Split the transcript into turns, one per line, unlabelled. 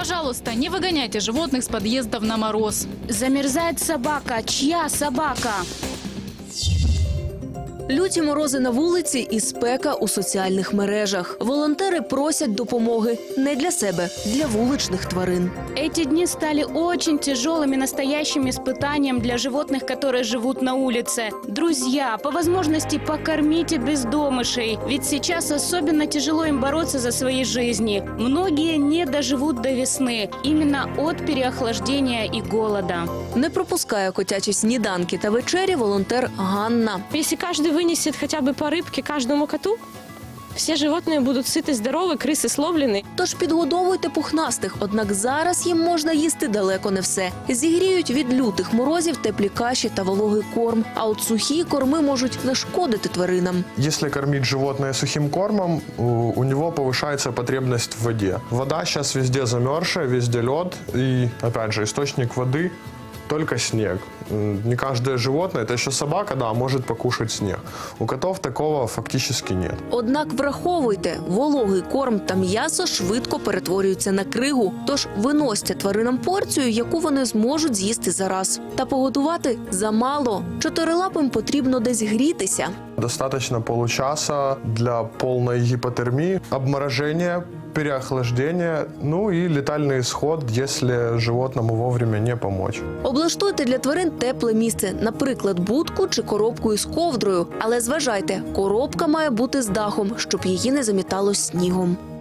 Пожалуйста, не выгоняйте животных с подъездов на мороз.
Замерзает собака. Чья собака?
Люті морози на вулиці і спека у соціальних мережах. Волонтери просять допомоги не для себе, для вуличних тварин.
Эти дни стали очень тяжелыми, настоящим испытанием для животных, которые живут на улице. Друзья, по возможности покормите бездомышей, ведь сейчас особенно тяжело им бороться за свои жизни. Многие не доживут до весны, именно от переохлаждения и голода.
Не пропускає котячі сніданки та вечері волонтер Ганна.
Если каждый вынесет хотя бы по рыбке каждому коту, все животные будут сыты, здоровы, крысы словлены.
Тож підгодовуйте пухнастих, однак зараз їм можна їсти далеко не все. Зігріють від лютих морозів теплі каші та вологий корм. А от сухі корми можуть нашкодити тваринам.
Если кормить животное сухим кормом, у него повышается потребность в воде. Вода сейчас везде замерзшая, везде лед. И, опять же, источник воды – только снег. Не каждое животное, это еще собака, да, может покушать снег. У котов такого фактически нет.
Однак враховуйте, вологий корм та м'ясо швидко перетворюються на кригу. Тож виносьте тваринам порцію, яку вони зможуть з'їсти за раз. Та погодувати замало. Чотирилапим потрібно десь грітися.
Достаточно получаса для полной гипотермии, обморожения, переохлаждения, ну и летальный исход, если животному вовремя не помочь.
Облаштуйте для тварин тепле місце, наприклад, будку чи коробку із ковдрою. Але зважайте, коробка має бути з дахом, щоб її не замітало снігом.